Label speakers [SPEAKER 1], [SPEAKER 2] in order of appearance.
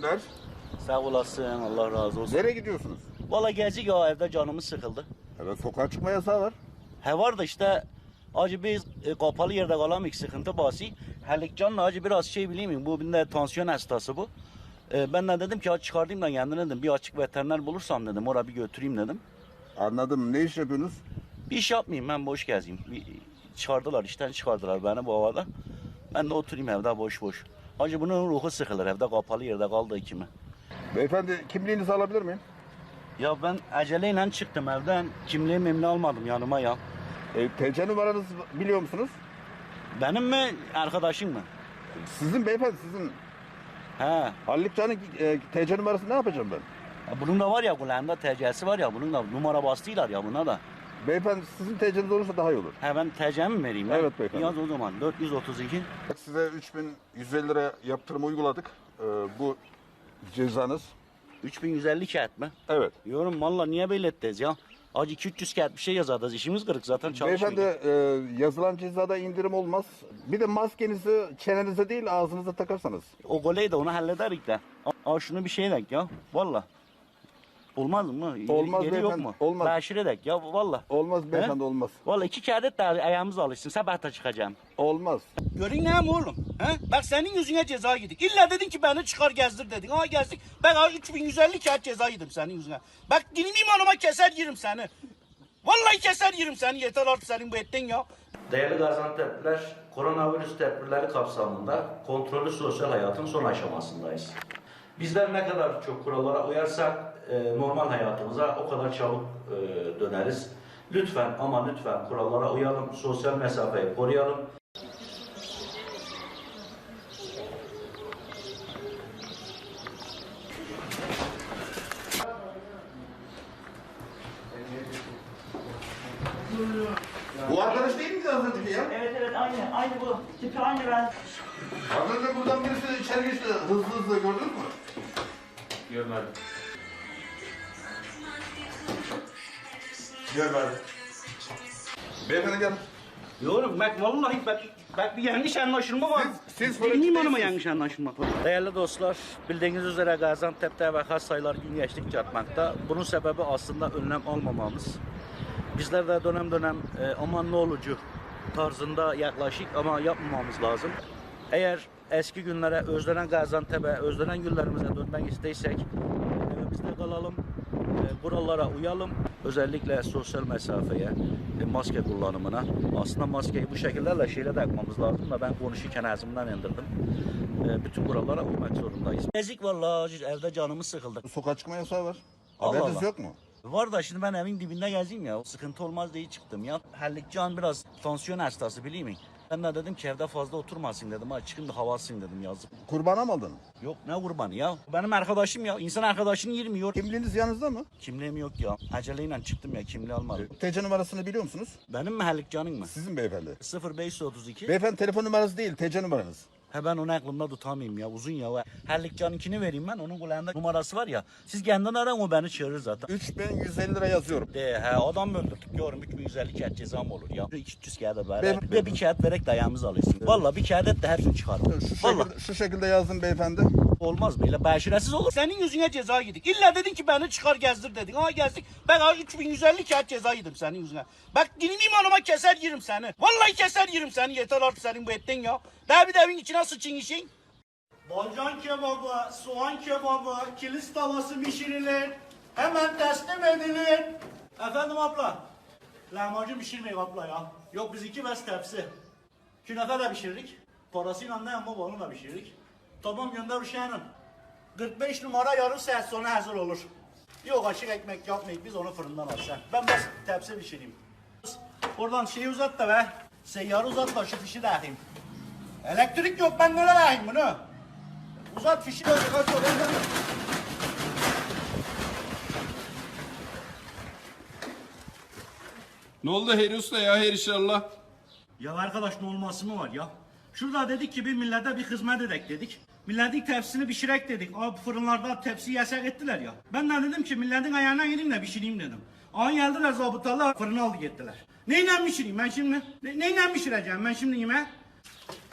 [SPEAKER 1] teşekkürler.
[SPEAKER 2] Sağ olasın, Allah razı olsun.
[SPEAKER 1] Nereye gidiyorsunuz?
[SPEAKER 2] Valla gezik ya, evde canımız sıkıldı.
[SPEAKER 1] Evet, sokağa çıkma yasağı var.
[SPEAKER 2] He var da işte acı biz kapalı yerde kalamayız, sıkıntı basi. Halikcan'la acı biraz şey bileyim mi, bu bir de tansiyon hastası bu. Ben de dedim ki aç çıkarayım da kendine dedim, bir açık veteriner bulursam dedim, oraya bir götüreyim dedim.
[SPEAKER 1] Anladım. Ne iş yapıyorsunuz?
[SPEAKER 2] Bir iş yapmayayım, ben boş gezeyim. Çıkardılar, işten çıkardılar beni bu havada. Ben de oturayım evde boş boş. Acı bunun ruhu sıkılır, evde kapalı yerde kaldı ikimi.
[SPEAKER 1] Beyefendi, kimliğinizi alabilir miyim?
[SPEAKER 2] Ya ben aceleyle çıktım evden, kimliğimi almadım yanıma ya.
[SPEAKER 1] TC numaranızı biliyor musunuz?
[SPEAKER 2] Benim mi, arkadaşım mı?
[SPEAKER 1] Sizin beyefendi, sizin.
[SPEAKER 2] He.
[SPEAKER 1] Haluk Can'ın TC numarası ne yapacağım ben?
[SPEAKER 2] Ya bunun da var ya, kulağında TC'si var ya, bunun da numara bastılar ya buna da.
[SPEAKER 1] Beyefendi, sizin TC'niz olursa daha iyi olur.
[SPEAKER 2] He, ben TC'mi mi vereyim?
[SPEAKER 1] Evet beyefendi.
[SPEAKER 2] Yaz o zaman 432.
[SPEAKER 1] Size 3150 lira yaptırım uyguladık. Bu cezanız.
[SPEAKER 2] 3150 kağıt mı?
[SPEAKER 1] Evet.
[SPEAKER 2] Yorum valla niye böyle ettiniz ya? Acı 200 kağıt bir şey yazardınız, işimiz kırık zaten çalışmıyor.
[SPEAKER 1] Beyefendi, yazılan cezada indirim olmaz. Bir de maskenizi çenenize değil ağzınıza takarsanız.
[SPEAKER 2] O goleyi de onu hallederik de. Aa şunu bir şey edek ya, valla. Olmaz mı?
[SPEAKER 1] Olmaz
[SPEAKER 2] Geri yok
[SPEAKER 1] beyefendi,
[SPEAKER 2] mu?
[SPEAKER 1] olmaz.
[SPEAKER 2] Beşir edek ya, valla.
[SPEAKER 1] Olmaz beyefendi, olmaz.
[SPEAKER 2] Valla 2 kağıt et de ayağımız alışsın, sabahta çıkacağım.
[SPEAKER 1] Olmaz.
[SPEAKER 2] Görün ne mi oğlum? He? Bak senin yüzüne ceza yedik. İlla dedin ki beni çıkar gezdir dedin. Ha gezdik. Ben 3150 kağıt ceza yedim senin yüzüne. Bak dilim imanıma keser yerim seni. Vallahi keser yerim seni. Yeter artık senin bu ettin ya. Değerli Gaziantep'liler, koronavirüs tedbirleri kapsamında kontrollü sosyal hayatın son aşamasındayız. Bizler ne kadar çok kurallara uyarsak normal hayatımıza o kadar çabuk döneriz. Lütfen ama lütfen kurallara uyalım, sosyal mesafeyi koruyalım.
[SPEAKER 1] Bu arkadaş değil miydi az önceki ya?
[SPEAKER 3] Evet aynı bu. Tipi aynı ben.
[SPEAKER 1] Az önce buradan birisi içeri geçti hızlı gördünüz mü?
[SPEAKER 4] Görmedim.
[SPEAKER 1] Görmedim. Beyefendi gel.
[SPEAKER 2] Yorum bak vallahi bak bir yanlış anlaşılma var.
[SPEAKER 1] Siz
[SPEAKER 2] Benim imanıma
[SPEAKER 1] değilsiniz.
[SPEAKER 2] yanlış anlaşılma var. Değerli dostlar, bildiğiniz üzere Gaziantep'te vaka sayıları gün geçtikçe artmakta. Bunun sebebi aslında önlem almamamız. Bizler de dönem dönem aman ne olucu tarzında yaklaşık ama yapmamamız lazım. Eğer eski günlere, özlenen Gaziantep'e, özlenen günlerimize dönmek isteysek evimizde kalalım, kurallara uyalım. Özellikle sosyal mesafeye, maske kullanımına. Aslında maskeyi bu şekillerle şeyle takmamız lazım da ben konuşurken ağzımdan indirdim. Bütün kurallara uymak zorundayız. Ezik vallahi evde canımız sıkıldı.
[SPEAKER 1] Sokağa çıkma yasağı var.
[SPEAKER 2] Allah
[SPEAKER 1] Haberiniz
[SPEAKER 2] Allah.
[SPEAKER 1] yok mu?
[SPEAKER 2] Var da şimdi ben evin dibinde gezeyim ya. Sıkıntı olmaz diye çıktım ya. Hallikcan biraz tansiyon hastası bileyim mi? Ben de dedim ki evde fazla oturmasın dedim. Ha çıkın da hava alsın dedim yazık.
[SPEAKER 1] Kurbana mı aldın?
[SPEAKER 2] Yok ne kurbanı ya. Benim arkadaşım ya. İnsan arkadaşını yirmiyor.
[SPEAKER 1] Kimliğiniz yanınızda mı?
[SPEAKER 2] Kimliğim yok ya. Aceleyle çıktım ya, kimliği almadım.
[SPEAKER 1] TC numarasını biliyor musunuz?
[SPEAKER 2] Benim mi Hallikcan'ın mı?
[SPEAKER 1] Sizin beyefendi.
[SPEAKER 2] 0532.
[SPEAKER 1] Beyefendi telefon numarası değil, TC numaranız.
[SPEAKER 2] He ben onu aklımda tutamayayım ya, uzun ya. Hallikcan'ınkini vereyim ben, onun kulağında numarası var ya. Siz kendin arayın, o beni çağırır zaten.
[SPEAKER 1] 3150 lira yazıyorum.
[SPEAKER 2] De he adam mı öldürdük yorum 3150 kağıt cezam olur ya. 200 kağıt ver.
[SPEAKER 1] Ben-
[SPEAKER 2] Bir de bir kağıt vererek de ayağımızı alırsın. Valla bir kağıt et de hepsini çıkar. Valla
[SPEAKER 1] Şu şekilde yazdım beyefendi.
[SPEAKER 2] olmaz böyle beşiresiz olur. Senin yüzüne ceza yedik. İlla dedin ki beni çıkar gezdir dedin. Ha gezdik. Ben 3150 kağıt ceza yedim senin yüzüne. Bak dilim imanıma keser yerim seni. Vallahi keser yerim seni. Yeter artık senin bu ettin ya. Daha bir de evin içine sıçın işin. Balcan kebabı, soğan kebabı, kilis tavası pişirilir. Hemen teslim edilir. Efendim abla. Lahmacun pişirmeyin abla ya. Yok biz 2 bez tepsi. Künefe de pişirdik. Parasıyla ne ama onu da pişirdik. Tamam gönder Uşağı'nın. 45 numara yarım saat sonra hazır olur. Yok açık ekmek yapmayıp biz onu fırından alacağız. Ben bas tepsi pişireyim. Oradan şeyi uzat da be. Seyyarı uzat da şu fişi dağıtayım. Elektrik yok, ben nereye dağıtayım bunu? Uzat fişi böyle kaç oraya.
[SPEAKER 4] Ne oldu Heri Usta ya, her inşallah?
[SPEAKER 2] Ya arkadaş ne olması mı var ya? Şurada dedik ki bir millete bir hizmet edek dedik. Milletin tepsisini pişirek dedik. Abi fırınlarda tepsi yasak ettiler ya. Ben de dedim ki milletin ayağına gireyim de pişireyim dedim. An geldiler zabıtalar fırına aldı gittiler. Neyle pişireyim ben şimdi? Neyle pişireceğim ben şimdi yemeği?